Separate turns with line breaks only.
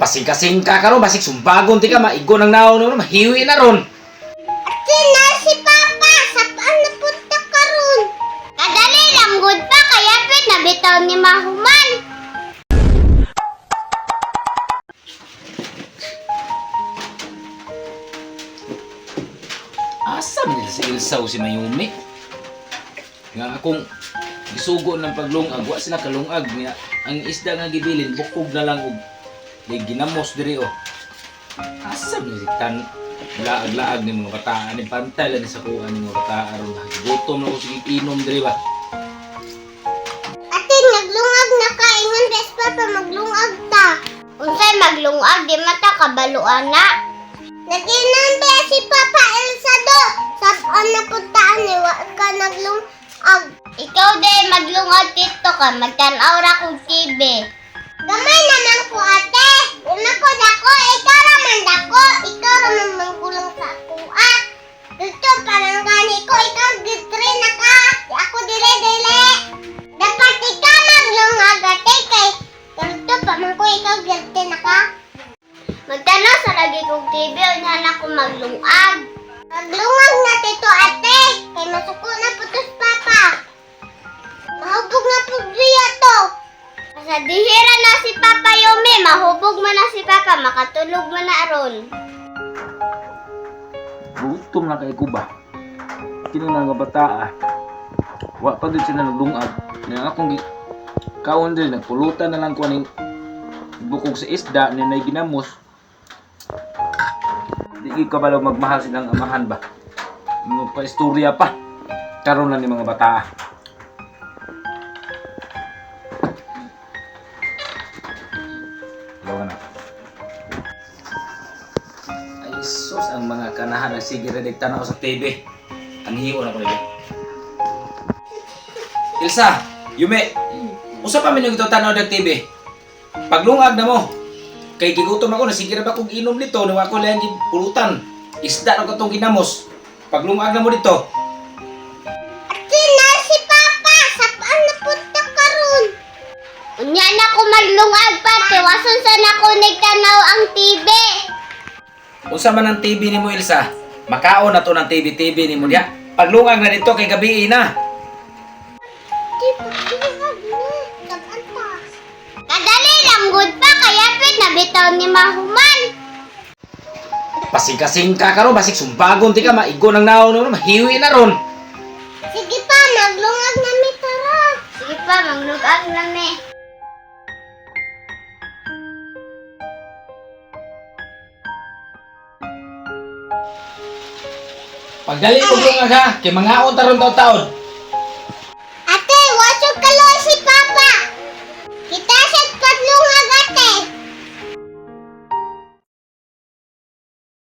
Pasing-kasing ka ron, basig sumbagon ti ka, maigo ng naon ron, mahiwi na ron.
Ate na si Papa, sapaan na punta ka ron. Kadali lang good pa, kaya pit nabitaw ni Mahuman.
Asa nila si Ilsa o si Mayumi? Nga akong gisugo ng paglungag, wa sila kalungag niya. Ang isda nga gibilin, bukog na lang og ginamos diri o. Asa nila si Tan? Laag-laag ni mga bataan, ni pantay lang sa kuha ni mga bataan. Gutom na ko sige inom diri ba?
Ate, naglungag na ka, ingon bes Papa, maglungag ta. Unsay maglungag, di mata kabaluan na. Naginan ba si Papa Elsa do? Sapaan na puntaan ni wa ka naglungag. Ikaw day maglungag dito ka, magtanaw ra kong TV. Gamay naman ko ate. Una ko dako, ikaw raman dako. Ikaw raman manggulang sa ako ah. Dito parang gani ko, ikaw gitri na ka. Ako dili. Dapat ikaw maglungag ate kay. Dito pa man ko ikaw gitri na ka. Magtanaw sa lagi kong TV, unahan ako maglungag. Maglungag na tito ate, kay masuko na putos Papa. Mahubog na pugriya to. Sa dihira na si Papa Yumi, mahubog mo na si Papa, makatulog mo na aron.
Gutom na kay Kuba. Kini nga bataa. Wa pa din sila naglungag. Nga akong kaon din, nagpulutan na lang ko aning bukog sa isda ni nay ginamos. Di ka ba magmahal silang amahan ba? Magpa-istorya pa. Karon na ni mga bata. Lawa na. Ay sus, ang mga kanahan nagsige rediktan ako sa TV. Ang hiyo na ko nila. Ilsa, Yume, usa pa man yung ito tanaw ng TV. Paglungag na mo. Kay gigutom ako, nasigira ba kong inom nito, nung ako lang yung pulutan. Isda na ko itong ginamos. Paglungag na mo dito.
Ate na si Papa, sapaan na punta ka ron. Unya na ko maglungag pa, tiwason sa na ko nagtanaw ang TV.
Unsa man ang TV ni mo, Ilsa? Makaon na to ng TV ni mo diya. Paglungag na dito kay gabi na.
Di pa maglungag na, sabaan pa. Kadali lang good pa, kaya pit nabitaw ni Mahuman.
Pasing-kasing ka ron, basig sumbagon ti ka, maigo ng naon ron, mahiwi na ron.
Sige pa, maglungag na mi tara. Sige pa, maglungag na mi.
Pagdali mo lungag ha, kay mga taron taon.